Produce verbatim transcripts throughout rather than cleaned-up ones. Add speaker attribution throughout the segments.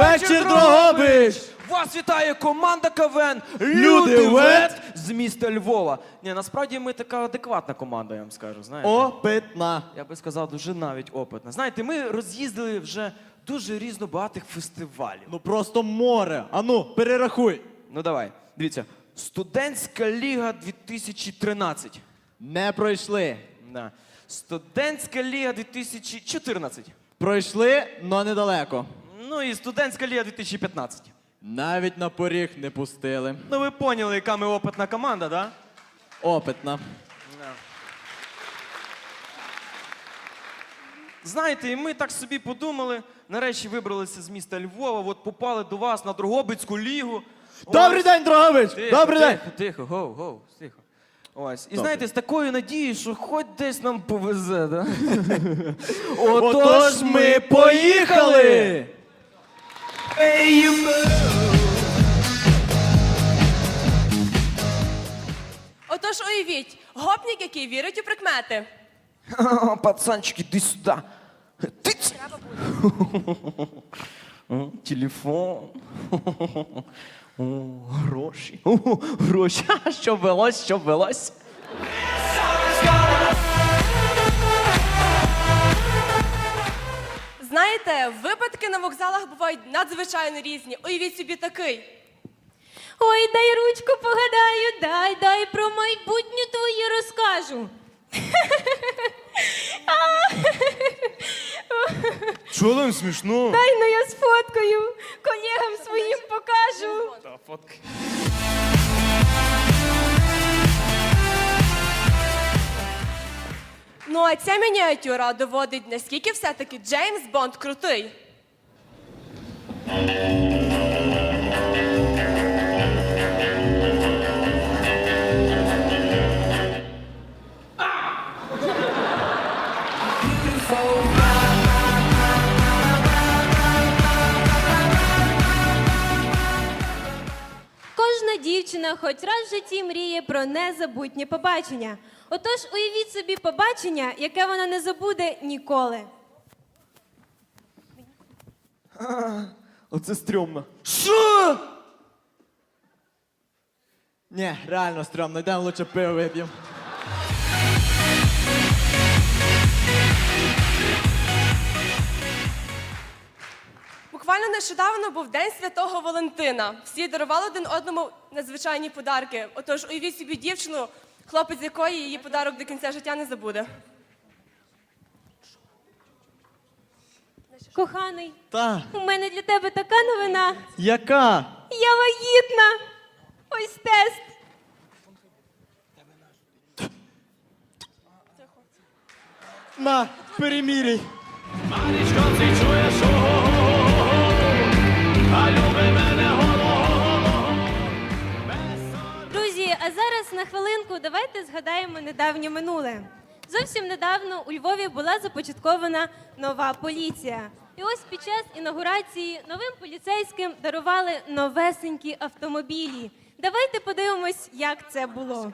Speaker 1: Вечір, Дрогобич!
Speaker 2: Вас вітає команда КВН
Speaker 1: Люди Вет
Speaker 2: з міста Львова. Ні, насправді ми така адекватна команда, я вам скажу, знаєте.
Speaker 1: Опитна.
Speaker 2: Я би сказав, дуже навіть опитна. Знаєте, ми роз'їздили вже дуже різнобагатих фестивалів.
Speaker 1: Ну просто море. Ану, перерахуй.
Speaker 2: Ну давай, дивіться. Студентська ліга дві тисячі тринадцять.
Speaker 1: Не пройшли.
Speaker 2: Да. Студентська ліга дві тисячі чотирнадцять.
Speaker 1: Пройшли, но недалеко.
Speaker 2: Ну і студентська ліга дві тисячі п'ятнадцять.
Speaker 1: Навіть на поріг не пустили.
Speaker 2: Ну ви поняли, яка ми опитна команда, да?
Speaker 1: Опитна.
Speaker 2: Знаєте, і ми так собі подумали, нарешті вибралися з міста Львова, от попали до вас на Дрогобицьку лігу.
Speaker 1: Добрий
Speaker 2: Ось.
Speaker 1: день, Дрогобич!
Speaker 2: Тихо,
Speaker 1: Добрий
Speaker 2: тихо,
Speaker 1: день!
Speaker 2: Тихо, гоу, гоу, тихо. Ось. І
Speaker 1: Добре.
Speaker 2: знаєте, з такою надією, що хоч десь нам повезе, да?
Speaker 1: Отож ми поїхали!
Speaker 3: Отож уявіть, гопнік, який вірить у прикмети.
Speaker 2: О, пацанчик, іди сюди. Тиць! О, телефон. О, гроші. О, гроші. Ха, що велось, що велось.
Speaker 3: Знаєте, випадки на вокзалах бувають надзвичайно різні. Уявіть собі такий.
Speaker 4: Ой, дай ручку погадаю, дай, дай про майбутнє твоє розкажу.
Speaker 2: Чого там смішно?
Speaker 4: Дай, ну я сфоткаю, колегам своїм покажу.
Speaker 2: Та, фотки.
Speaker 3: Ну а ця мініатюра доводить, наскільки все-таки Джеймс Бонд крутий.
Speaker 4: Кожна дівчина хоч раз в житті мріє про незабутнє побачення. Отож, уявіть собі побачення, яке вона не забуде ніколи.
Speaker 2: Оце стрьомно.
Speaker 1: Що? Ні, реально стрьомно. Йдемо лучше пиво вип'ємо.
Speaker 3: Буквально нещодавно був День Святого Валентина. Всі дарували один одному надзвичайні подарки. Отож, уявіть собі дівчину, хлопець якої її подарок до кінця життя не забуде.
Speaker 4: Коханий,
Speaker 1: Та,
Speaker 4: у мене для тебе така новина.
Speaker 1: яка?
Speaker 4: Я вагітна. Ось тест.
Speaker 1: На, переміряй.
Speaker 4: Друзі, а зараз на хвилинку давайте згадаємо недавнє минуле. Зовсім недавно у Львові була започаткована нова поліція. І ось під час інаугурації новим поліцейським дарували новесенькі автомобілі. Давайте подивимось, як це було.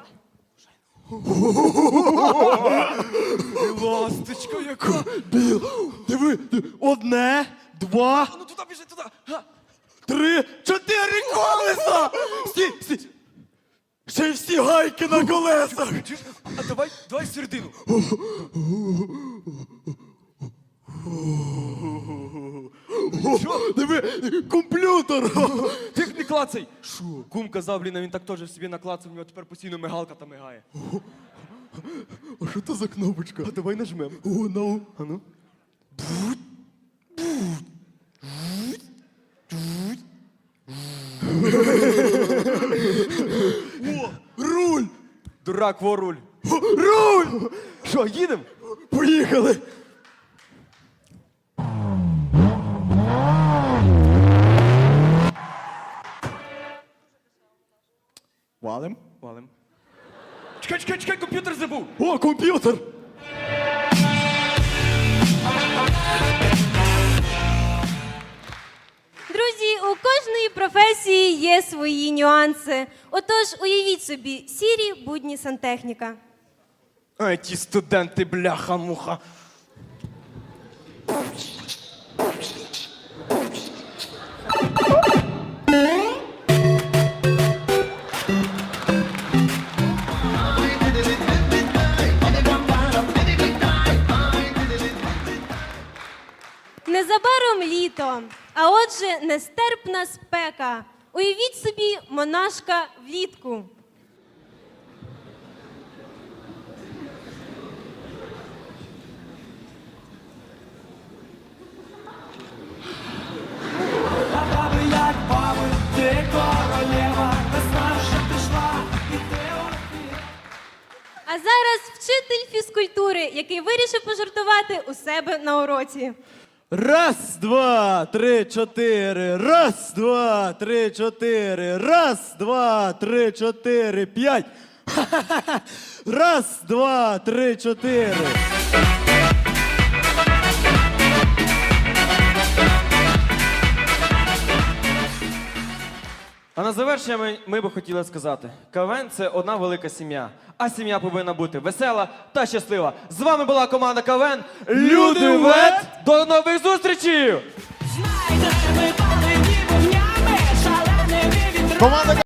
Speaker 2: Ласточка яка.
Speaker 1: Біл, диви, диви, одне, два,
Speaker 2: Ну туди біжи, туди. Га.
Speaker 1: три, чотири колеса! Стій, стій. Ще й всі гайки на колесах!
Speaker 2: Чуєш? А давай, давай середину.
Speaker 1: О, диви, комп'ютер!
Speaker 2: Ти не клацай. Шо? Кум казав, блін, а він так теж собі наклацав, у нього тепер постійно мигалка та мигає.
Speaker 1: А що це за кнопочка?
Speaker 2: А давай нажмем.
Speaker 1: О, ну.
Speaker 2: А ну.
Speaker 1: О, руль!
Speaker 2: Дурак, во руль.
Speaker 1: О, руль!
Speaker 2: Що, їдемо?
Speaker 1: Поїхали! Валим?
Speaker 2: Валим. Чекай, чекай, чекай, комп'ютер забув.
Speaker 1: О, комп'ютер!
Speaker 4: Друзі, у кожної професії є свої нюанси. Отож, уявіть собі, сірі будні сантехніка.
Speaker 2: Ай, ті студенти, бляха-муха.
Speaker 4: Незабаром літо, а отже, нестерпна спека. Уявіть собі монашка влітку.
Speaker 5: Баби, як баби, ти королева, весна вже прийшла, і ти одна.
Speaker 4: А зараз вчитель фізкультури, який вирішив пожартувати у себе на уроці.
Speaker 1: Раз, два, три, чотири. Раз, два, три, чотири. Раз, два, три, чотири, п'ять. Ха-ха-ха. Раз, два, три, чотири.
Speaker 2: А на завершення ми, ми би хотіли сказати: КВН – це одна велика сім'я, а сім'я повинна бути весела та щаслива. З вами була команда КВН Люди Вет. До нових зустрічей!
Speaker 5: Знайдеш, ми палені вогнями, шаленими вітрами.
Speaker 1: Команда